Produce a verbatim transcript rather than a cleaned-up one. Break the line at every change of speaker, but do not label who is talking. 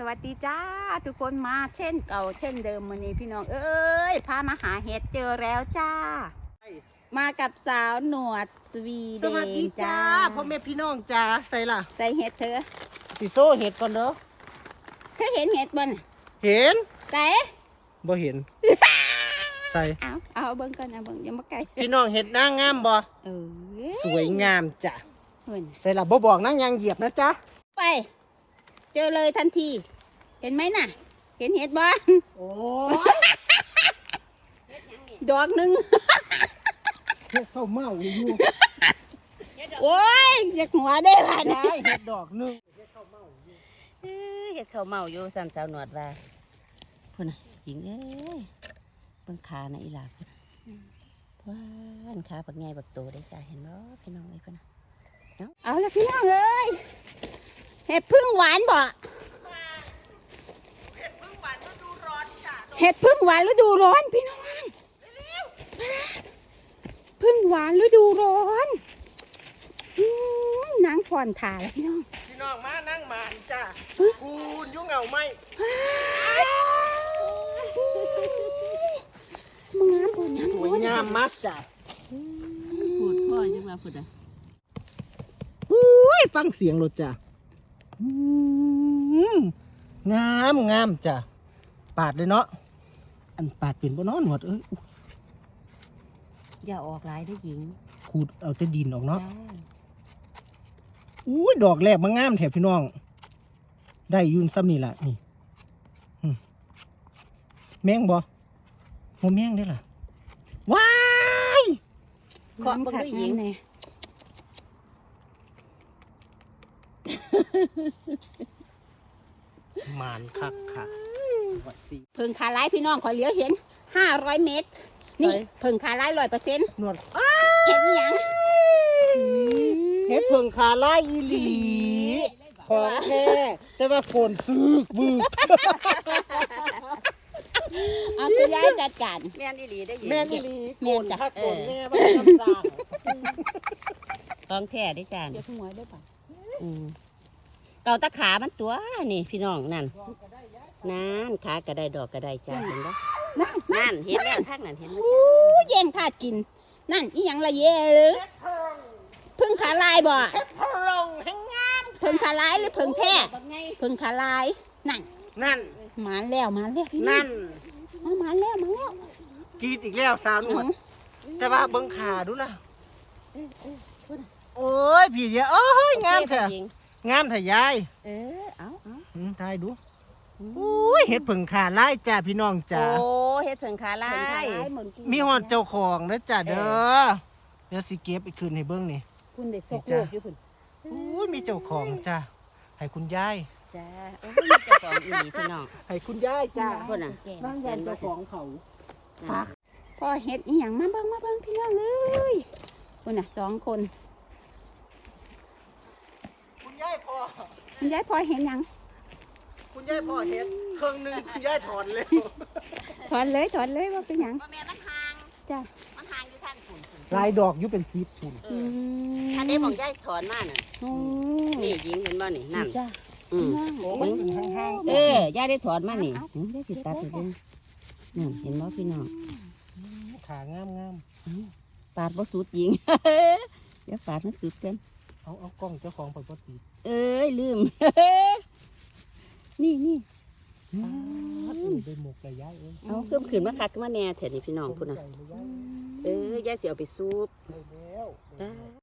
วัสดีจ้าทุกคนมาเช่นเก่าเช่นเดิมวันนี้พี่น้องเอ้ยพามาหาเห็ดเจอแล้วจ้ามากับสาวหนวดสวีเดน
สวัสดีจ้าพ่อแม่พี่น้องจ้าใส่ล่ะ
ใส่เห็ดเธอ
สิโซ่เห็ดก่อนเด้อ
เธอเห็นเห็ดบ่น
เห็น
ใส่
บ่เห็น ใส่
เอาเอาเบิ่งก่อนเอาเบิ่งอย่ามาไกล
พี่น้องเห็ดนางงามบ่
เออ
สวยงามจ้ะ
เห็น
ใส่ล่ะบ่บอกนางยางเหยียบนะจ๊ะ
ไปเจอเลยทันทีเห็นไหมน่ะ เห็นเห็ดบ่
โอ้
ดอกหนึ่ง
เห็ดเข้าเมาอยู่
โอ้ยอยากหัวได้ผ่าน
ได้เห็ดดอกหนึง
เฮ็ดข้าวเมาอยู่ซ้ำสาวหนวดว่าพุ่นน่ะหญิงเอ้ยเบิ่งขาน่ะอีหลาพุ่นว้านขาบักใหญ่บักโตได้จ้าเห็นบ่พี่น้องเอ้ยพุ่นน่ะ
เอาละพี่น้องเอ้ยเห็ดพึ่งหวานบ่เห็ดพึ่งหวานฤดูร้อนพี่น้องพึ่งหวานฤดูร้อนอืมนางผ่อนถ่าแล้วพี่น้อง
พี่น้องมานั่งหมานจ้ะกูนยุ่งเหงาไหม
มึงงามปุ่นงาม
สวยงามมากจ้ะ
พูดพ่อจังว่าพุ่นน่ะ
อุ้ยฟังเสียงรถจ้ะอืมงามงามจ้ะปาดเลยเนาะอันปาดเป็นบ่เนาะหนวดเอ้ย
อย่าออกหลายเด้อหญิง
ขูดเอาแต่ดินออกเนาะ
จ้า
อุ้ยดอกแรกมันงามแถบพี่น้อง ได้อยืนซ้ำนี่แหละนี่อืมแมงบ่โมแมงได้ล่ะว้าย
เคาะเบิ่งด้วยหญิง
เลย
มานคักคักวัดสี
เพิ่งขาไล่พี่น้องขอเหลียวเห็นห้าร้อยเมตรนี่เพิ่งขาไล่ร้อยเปอร์เซ็นต์
หนวด
เห็นอีหยัง
เฮ็ดเพิ่งขาไล่อีหลีของแท้แต่ว่าฝนซึกบึก
เอาคุณยายจัดการ
แม่นอีหลีได้อหญิง
แม่นอีหลี
แม่
โก
น
น
จ้ะ
ถ้าโกนแม่ว่าน้ำตาล
ของแท้ได้อจ้า
เดี๋ยวทุ่งไว้ได้ป่ะ
อืมเก่าตะขามันตัวนี่พี่น้องนั่นนั่นขาก็ได้ดอกก็ได้จ้าเห็นบ่
นั่น
นั่นเห็นแล้วทางนั้นเห็นบ่
อู้เย็นขาดกิน นั่นอีหยังละเย่หรือเพึ่งขาลายบ่
พลงแห่งงาม
เพึ่งขาลายหรือเพึ่งแท้เพึ่งขาลายนั่น
นั่น
หมานแล้วหมานแล้วพี่
นั่น
เอาหมานแล้วหมานแล้ว
กรีดอีกแล้วสาวหนวด แต่ว่าเบิ่งขาดูนะโอ้ยพี่เดียวโอ้ยงามแท้
หญิง
งามแท้ยาย
เออเอาเอา
อืมทายดูอุ้ยเห็ดผึ่งขาไล่จ้าพี่น้องจ้า
โอ้เฮ็ดเพิ่งขาลา
เพึ่งขาย ลายเหมือนกิน
มีหอดเจ้าของนะจ้าเด้อเดี๋ยวสิเก็บไปคืนให้เบิ่งนี่
คุณเด็กซกโลกอยู่คุณ
อุ้ยมีเจ้าของจ้าให้คุณยาย
จ้าโอ้ยมีเจ้าของอีหลีพี่น้อง
ให้คุณยายจ้า
พุ่นน่ะ
บ้านยายเจ้าของเขา
ฝากพ่อเฮ็ดอีหยังมาเบิ่งมาเบิ่งพี่น้องเลยคุณน่ะสองคน
คุณยายพอ
คุณยายพ่อเห็นหยัง
คุณยายพอเห็ดเครื่องหนึงคุณยายถอนเลย
ถอนเลยถอนเลยว่าเป็นหยัง
บ่แม่นมันห่าง
จ้ะ
มันห่างอยู่ท่านฝุ่น
ลายดอกอยู่เป็นสีปุ่น
เอออันนี้ของยายถอนมาน่ะ
โอ้
นี่หญิงเห็นบ่นี่นั่น
จ้ะ
อืม
โอ้มันอยู่ห่าง
เออยายได้ถอนมานี่หึได้สิตัดให้เบิ่งนั่นเห็นบ่พี่น้อง
ๆขางามงาม
ปาดบ่สุดหญิง เดี๋ยวปาดมันสุดกัน
ๆเอาเอากล้องเจ้าของปกติ
เอ้ยลืม นี่นี่
ได้หมกเลยยายเอ้ย
เอาเพิ่มขึ้นมาคักขึ้นมาแน่แถวนี้พี่น้องพุ่นน่ะ
ใส่เลยยาย
เออยายสิเอาไปซุป
ได้แล้ว
จ้า